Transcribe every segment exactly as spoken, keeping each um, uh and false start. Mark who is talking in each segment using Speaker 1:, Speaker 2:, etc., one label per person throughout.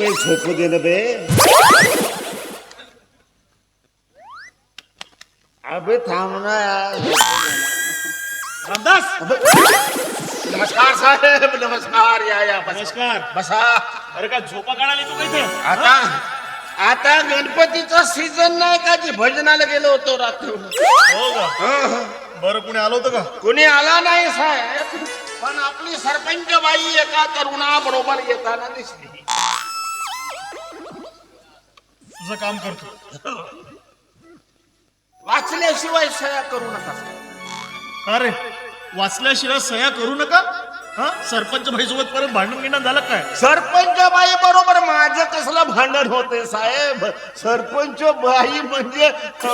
Speaker 1: बे झोपू दे ना बे. अबे थांब ना यार.
Speaker 2: रामदास
Speaker 1: नमस्कार साहेब, नमस्कार. या या बसा.
Speaker 2: नमस्कार.
Speaker 1: बसा.
Speaker 2: अरे काय झोपा काढायला तू इथे?
Speaker 1: आता आता गणपतीचा सीझन नाही का, जी भजनाला गेलो होतो रात्री.
Speaker 2: हो का? बरं कुणी आलं होतं का?
Speaker 1: कुणी आला नाही साहेब, पण आपली सरपंच बाई एका तरुणा बरोबर येताना दिसली.
Speaker 2: तुझं काम करतो.
Speaker 1: वाचल्याशिवाय सह्या करू नका.
Speaker 2: अरे वाचल्याशिवाय सह्या करू नका. हा सरपंच भाई सोबत परत भांडण गिंडण झालं काय?
Speaker 1: सरपंच बाई बरोबर माझं कसलं भांडण होते साहेब. सरपंच बाई म्हणजे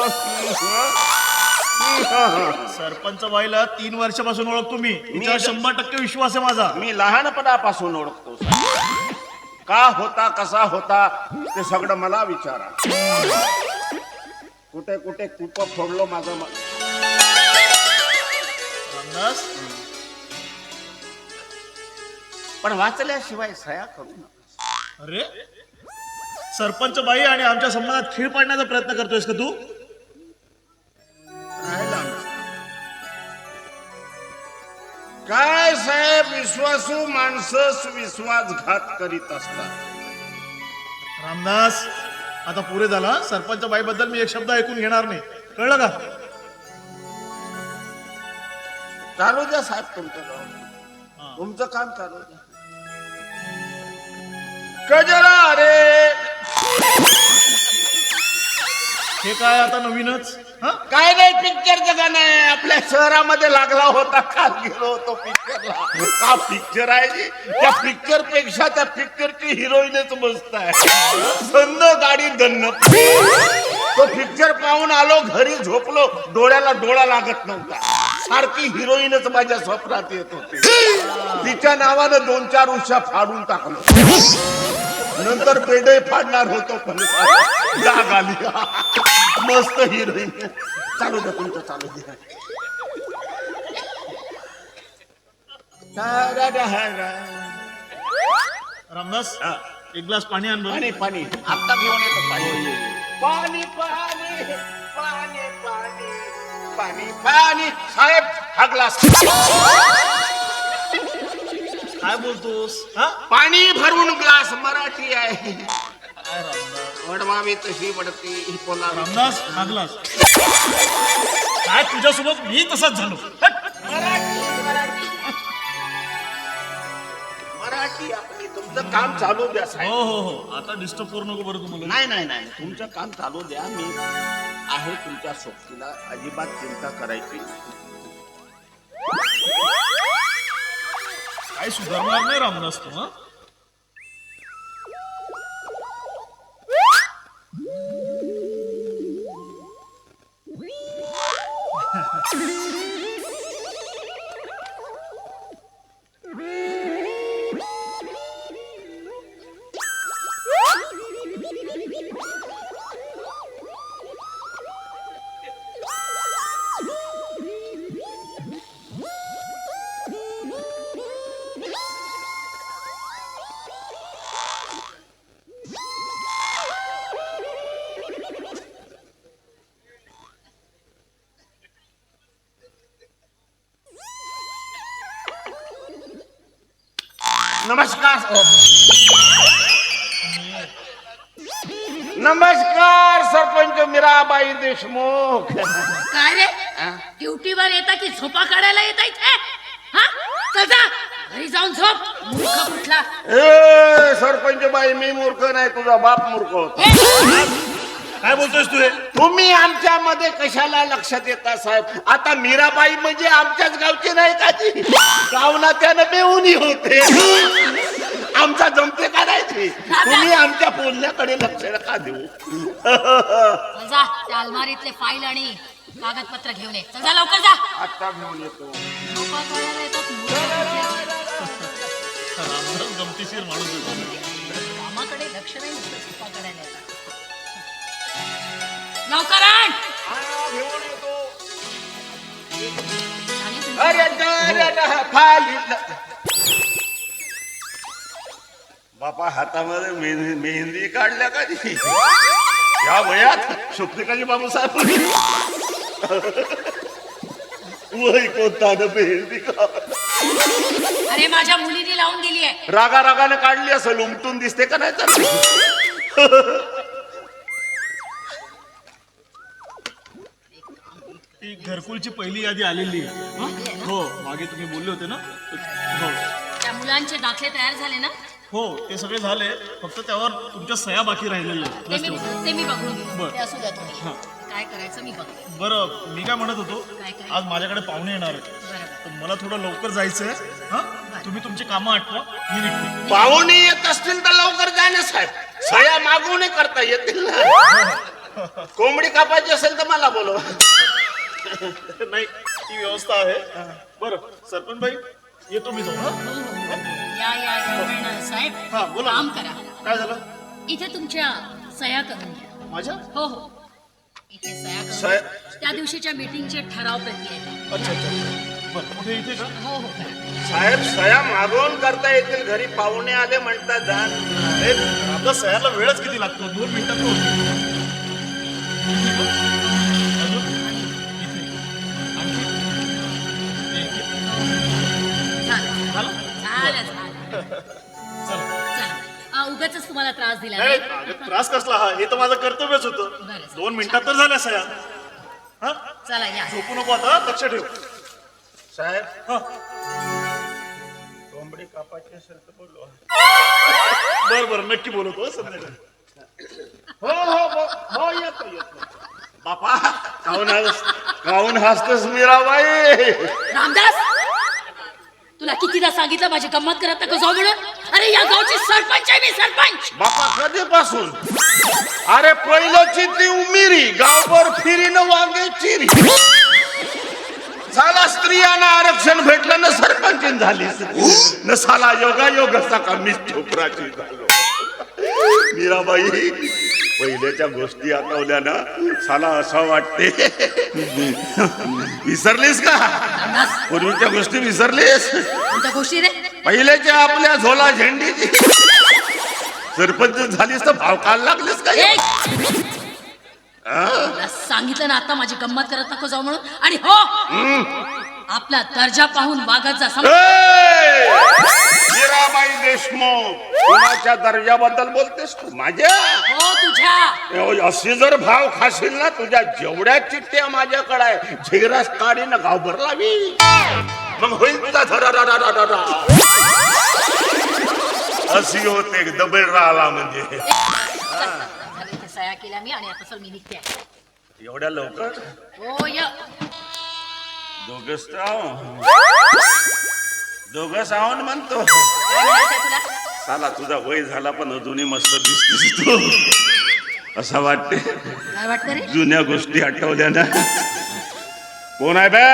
Speaker 2: सरपंच बाईला तीन वर्षापासून ओळखतो मी. तिच्यावर शंभर टक्के विश्वास आहे माझा.
Speaker 1: मी लहानपणापासून ओळखतो साहेब. का होता, कसा होता ते सगळं मला विचारा. कुठे कुठे कूप फोडलो माझं.
Speaker 2: रामदास
Speaker 1: पण वाचल्याशिवाय सह्या करू नका.
Speaker 2: अरे सरपंच बाई आणि आमच्या संबंधात खीळ पाडण्याचा प्रयत्न करतोयस का तू?
Speaker 1: राहिला ना. काय साहेब, विश्वासू माणसं विश्वासघात करीत असतात.
Speaker 2: रामदास आता पुरे झाला. सरपंच बाई बद्दल मी एक शब्द ऐकून घेणार नाही, कळलं का?
Speaker 1: चालू द्या साहेब तुमचं काम. तुमचं काम चालू द्या. कजरा रे.
Speaker 2: हे काय आता नवीनच? हा
Speaker 1: काय नाही, पिक्चरचं गाणं आहे. आपल्या शहरामध्ये लागला होता. काल गेलो होतो पिक्चरला. हा पिक्चर आहे. त्या पिक्चर पेक्षा त्या पिक्चरची हिरोईनच मस्त आहे. सन्न गाडी दन्न. तो पिक्चर पाहून आलो, घरी झोपलो, डोळ्याला डोळा लागत नव्हता. सारखी हिरोईनच माझ्या स्वप्नात येत होती. तिच्या नावानं दोन चार उशा फाडून टाकलो. नंतर पेढे फाडणार होतो, पण जाग आली. मस्त हिरोईन. चालू द्या तुमचं, चालू द्या.
Speaker 2: रामदास एक ग्लास पाणी आण बरं.
Speaker 1: पाणी पाणी आता घेऊन येतो. पाणी पाणी पाणी पाणी पाणी पाणी पाणी. साहेब हा ग्लास.
Speaker 2: काय बोलतोस? हा
Speaker 1: पाणी भरून ग्लास. मराठी आहे.
Speaker 2: काय रामदास?
Speaker 1: वडवावी तशी वडती ही पोला.
Speaker 2: रामदास हा ग्लास. काय तुझ्यासोबत मी तसाच झालो. हट.
Speaker 1: मराठी मराठी मराठी आपली. तुमचं काम चालू द्या साहेब.
Speaker 2: हो हो हो आता डिस्टर्ब करू नको बरं तुम्हाला.
Speaker 1: नाही नाही नाही, तुमचं काम चालू द्या. मी आहे तुमच्या सोबतीला. अजिबात चिंता करायची.
Speaker 2: काय सुधारणार नाही रामदास तू. हा
Speaker 1: नमस्कार. नमस्कार सरपंच मीराबाई देशमुख.
Speaker 3: काय रे, ड्युटीवर येता की झोपा काढायला येता इथे? हा चल जा घरी जाऊन झोप. मूर्ख कुठला.
Speaker 1: ए सरपंच बाई, मी मूर्ख नाही, तुझा बाप मूर्ख होता.
Speaker 2: काय बोलतोयस तू? हे
Speaker 1: तुम्ही आमच्या मध्ये कशाला लक्षात येता साहेब? आता मीराबाई म्हणजे आमच्याच गावची नाही का? ती गावना त्यानं बेऊनी होते. आमचा जमते करायची. तुम्ही आमच्या बोलण्याकडे लक्ष नका देऊ.
Speaker 3: जा त्या अलमारीतले फाईल आणि कागदपत्र घेऊन ये. चल जा लवकर जा.
Speaker 1: आता घेऊन येतो.
Speaker 3: झोपा काढायला येतात मूर्ख कुठले.
Speaker 2: रामदास गमतीशीर माणूस आहे.
Speaker 3: कामाकडे लक्ष नाही, नुसतं झोपा काढायला येतात. लवकर आण.
Speaker 1: घेऊन येतो.
Speaker 3: झाली तुमची
Speaker 1: अरे अरे फाईल. बापा हातामध्ये मेहंदी मेहंदी काढल्या का ती? या वयात शुक्रिकाजी बाबूसाहेब वय कोणता न मेहंदी का
Speaker 3: अरे माझ्या मुलीने लावून दिली आहे.
Speaker 1: रागा रागाने काढली असेल, उमटून दिसते का नाही तर?
Speaker 2: ती घरकुलची पहिली यादी आलेली आहे. हं? हो मागे तुम्ही बोलले होते ना. हो
Speaker 3: त्या मुलांचे दाखले तयार झाले ना?
Speaker 2: हो ते सगळे झाले, फक्त त्यावर तुमच्या सह्या बाकी राहिलेल्या आहेत.
Speaker 3: ते
Speaker 2: बस
Speaker 3: मी
Speaker 2: तेवढं.
Speaker 3: ते मी बघून घेईन.
Speaker 2: बरं.
Speaker 3: ते असू द्या तुम्ही.
Speaker 2: हां.
Speaker 3: काय करायचं मी बघते.
Speaker 2: बरं मी काय म्हणत होतो,
Speaker 3: काय काय?
Speaker 2: आज माझ्याकडे पाहुणे येणार आहे,
Speaker 3: बरोबर.
Speaker 2: तर मला थोडं लवकर जायचंय. हा तुम्ही तुमची कामं आठवा, मी निघते.
Speaker 1: पाहुणे येत असतील तर लवकर जा ना साहेब. सया मागवणे करता येतील ना. कोंबडी कापायची असेल तर मला बोलवा.
Speaker 2: नाही ती व्यवस्था आहे. बरं सरपंच भाई येतो मी जाऊ.
Speaker 3: हो, हो, हो. या या या. साहेब
Speaker 2: हा बोला.
Speaker 3: काम करा.
Speaker 2: काय झालं
Speaker 3: इथे तुमच्या सह्या करून घ्या.
Speaker 2: माझ्या?
Speaker 3: हो हो इथे सह्या करून
Speaker 1: सह्या-
Speaker 3: घ्या. त्या दिवशीच्या मीटिंगचे ठराव प्रती आहेत.
Speaker 2: अच्छा अच्छा. बरं कुठे इथे का?
Speaker 3: हो हो करा.
Speaker 1: साहेब सया मागवून करता येतील. घरी पाहुणे आले म्हणतात जा.
Speaker 2: अरे आपल्या सह्याला वेळच किती लागतो? दोन मिनिटात तो होतो. इथे का? अजून? इथे. आणखी? ते इथे.
Speaker 3: झालं
Speaker 2: झालं?
Speaker 3: झालं झालं.
Speaker 2: चला.
Speaker 3: चला उगाच तुम्हाला त्रास दिला
Speaker 2: नाही,
Speaker 3: नाही?
Speaker 2: अगं, त्रास कसला हा? हे तर माझं कर्तव्यच होतं.
Speaker 3: बरं.
Speaker 2: दोन मिनिटात तर झाल्या सह्या. हा
Speaker 3: चला या.
Speaker 2: झोपू नको आता, लक्ष ठेव.
Speaker 1: साहेब
Speaker 2: हा
Speaker 1: कोंबडी कापायची असेल तर बोलवा.
Speaker 2: बर बर नक्की बोलवतो हं, संध्याकाळी.
Speaker 1: हो हो हो हो येतो येतो. बापा काऊन हस काऊन हसतोस मीराबाई?
Speaker 3: रामदास तुला कितीदा सांगितलं माझी गंमत करत नको जाऊ म्हणून. अरे या गावची सरपंच आहे मी, सरपंच.
Speaker 1: बापा कधीपासून? अरे पहिल्याची ती उमिरी गावभर फिरीनं वांगे चिरी. साला स्त्रियांना आरक्षण भेटलं ना सरपंच झाली न साला योगा योग का मी छोपराची झालो. मीराबाई पहिल्याच्या गोष्टी आठवल्या ना साला असं वाटते. विसरलीस का?
Speaker 3: रामदास
Speaker 1: पूर्वीच्या गोष्टी विसरलीस?
Speaker 3: कोणत्या गोष्टी रे?
Speaker 1: पहिल्याच्या आपल्या झोला झेंडीची. सरपंच झालीस तर भाव काल लागलीस का?
Speaker 3: ए! तुला सांगितलं ना आता माझी गंमत करत नको जाऊ म्हणून. आणि हो आपला दर्जा पाहून वागत जा. समज?
Speaker 1: ए! मीराबाई देशमुख कुणाच्या दर्जाबद्दल बोलतेस तू? माझ्या
Speaker 3: हो तुझ्या.
Speaker 1: अशी जर भाव खाशील ना तुझ्या जेवढ्या चिठ्ठ्या माझ्याकडे आहे झेरास काढी ना गावभर लावी. मग होईल तुझा धरा. अशी होते दबेल राहिला म्हणजे.
Speaker 3: झालं इथे सह्या केल्या मी आणि आता चल मी निघते.
Speaker 1: एवढ्या लवकर
Speaker 3: हो य
Speaker 1: दोघच दोघच आहोन म्हणतो.
Speaker 3: काय म्हणायचंय तुला?
Speaker 1: साला तुझा वय झाला पण अजूनही मस्त दिसतेस तू. असं वाटते
Speaker 3: काय वाटतं रे?
Speaker 1: जुन्या गोष्टी आठवल्या ना. कोण आहे बे?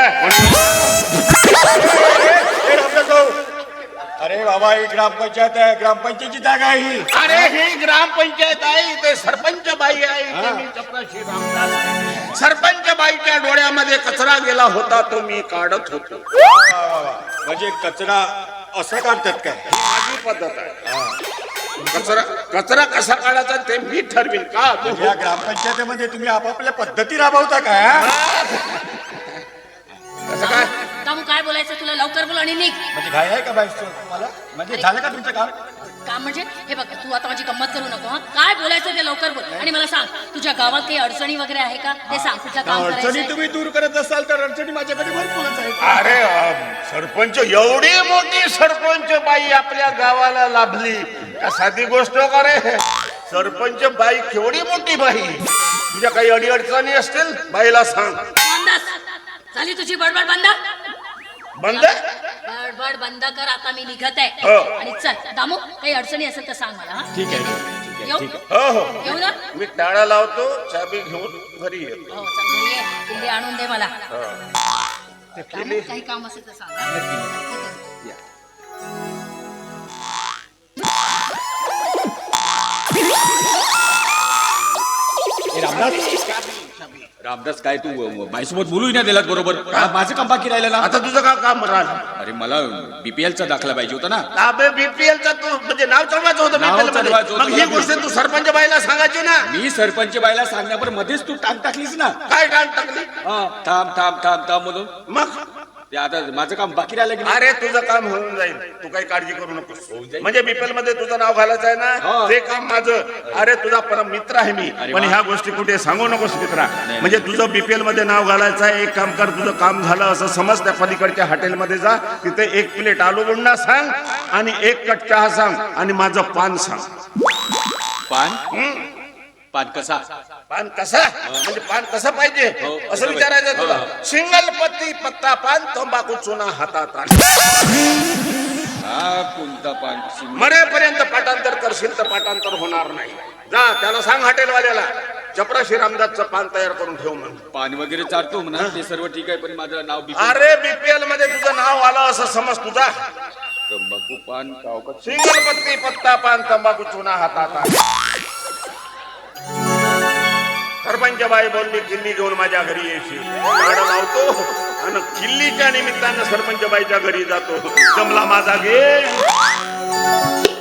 Speaker 4: अरे बाबा ही ग्रामपंचायत आहे, ग्रामपंचायतीची जागा आहे ही.
Speaker 1: अरे ही ग्रामपंचायत आहे, इथे सरपंच बाई आहे. इथे मी चपराशी रामदास आहे. सरपंच बाईच्या डोळ्यामध्ये कचरा गेला होता तो मी काढत होतो.
Speaker 4: वा, वा, वा. म्हणजे कचरा असं काढतात काय?
Speaker 1: ही माझी पद्धत आहे. कचरा कचरा कसा काढायचा ते मी ठरवीन का?
Speaker 4: या ग्रामपंचायतीमध्ये तुम्ही आपापल्या पद्धती राबवता काय हा?
Speaker 1: कसं काय?
Speaker 3: कामू काय बोलायचं तुला? लवकर बोल आणि निघ.
Speaker 4: म्हणजे घाई आहे का बाई तुम्हाला? म्हणजे झालं का तुमचं काम?
Speaker 3: काम म्हणजे हे बघ तू आता माझी गंमत करू नको. हा काय बोलायचं ते लवकर बोल. आणि मला सांग तुझ्या गावात काही अडचणी वगैरे आहे का ते सांग. कुठलं काम
Speaker 4: अडचणी
Speaker 3: करायचं?
Speaker 4: तुम्ही दूर करत असाल तर अडचणी माझ्याकडे भरपूरच आहेत.
Speaker 1: अरे अं, सरपंच एवढी मोठी सरपंच बाई आपल्या गावाला लाभली का साधी गोष्ट का रे? सरपंच बाई केवढी मोठी बाई. तुझ्या काही अडी अडचणी असतील बाईला सांग.
Speaker 3: रामदास झाली तुझी बडबड बंद.
Speaker 1: बंद.
Speaker 3: बडबड बंद कर. आता मी निघत आहे.
Speaker 1: हो.
Speaker 3: आणि चल दामू काही अडचणी असेल तर सांग मला. हा
Speaker 4: ठीक आहे, ठीक आहे,
Speaker 3: येऊ?
Speaker 4: ठीक आहे.
Speaker 1: हो हो
Speaker 3: येऊ ना?
Speaker 1: मी टाळा लावतो चाबी घेऊन घरी येतो.
Speaker 3: हो चल घरी ये. किल्ली आणून दे मला.
Speaker 1: ते
Speaker 3: दामू,
Speaker 1: किल्ली-
Speaker 3: काही काम असेल तर सांग. हा?
Speaker 4: हे रामदास
Speaker 1: चाबी पेक्षा बी.
Speaker 5: रामदास काय तू बाईसोबत बोलू ना दिलात बरोबर का? माझं काम बाकी राहिलं ना.
Speaker 1: आता तुझं का काम राहिलं?
Speaker 5: अरे मला बीपीएल चा दाखला पाहिजे होता ना.
Speaker 1: अबे बीपीएलचा तू म्हणजे नाव चढवायचं होतं
Speaker 5: नाव
Speaker 1: बीपीएल मध्ये.
Speaker 5: चढवायचं होतं.
Speaker 1: मग ही गोष्ट तू सरपंच बाईला सांगायची ना.
Speaker 5: मी सरपंच बाईला सांगण्यापर मध्येच तू टांग टाकलीस ना.
Speaker 1: काय काम टाकली?
Speaker 5: हा, थांब थांब थांब थांब म्हणून
Speaker 1: मग
Speaker 5: ते आता माझं काम बाकी राहिलं की नाही?
Speaker 1: अरे तुझं काम होऊन जाईल, तू काही काळजी करू नकोस. म्हणजे बीपीएल मध्ये तुझं नाव घालायचं आहे ना,
Speaker 5: हो.
Speaker 1: ते काम माझं. अरे तुझा परम मित्र आहे मी,
Speaker 5: अरे
Speaker 1: पण
Speaker 5: वा.
Speaker 1: ह्या गोष्टी कुठे सांगू नकोस मित्रा. म्हणजे तुझं बीपीएल मध्ये नाव घालायचं आहे. एक काम कर, तुझं काम झालं असं समज, त्या पलीकडच्या हॉटेलमध्ये जा, तिथे एक प्लेट आलू बुंडा सांग आणि एक कट चहा सांग आणि माझं पान सांग.
Speaker 5: पान पान कसा?
Speaker 1: पान कसा म्हणजे पान कसं पाहिजे
Speaker 5: हो,
Speaker 1: असं
Speaker 5: कसं
Speaker 1: विचारायचं
Speaker 5: पाहिजे?
Speaker 1: तुला.
Speaker 5: हो.
Speaker 1: सिंगल पत्ती पत्ता पान, तंबाखू चुना हातात आण.
Speaker 5: हा कोणता पान?
Speaker 1: मरेपर्यंत पाठांतर करशील तर पाठांतर होणार नाही. जा त्याला सांग हॉटेलवाल्याला चपराशी रामदासचं पान तयार करून ठेव म्हणून.
Speaker 5: पान वगैरे चालतो म्हणा, ते सर्व ठीक आहे, पण माझं नाव बीपीएल.
Speaker 1: अरे बीपीएल मध्ये तुझं नाव आलं असं समज तुझा.
Speaker 5: तंबाखू पान कावकत.
Speaker 1: सिंगल पत्ती पत्ता पान, तंबाखू चुना हातात आण. सरपंच बाई बोलली किल्ली घेऊन माझ्या घरी येशील. गाडं लावतो आणि किल्लीच्या निमित्तानं सरपंच बाईच्या घरी जातो. जमला माझा घे.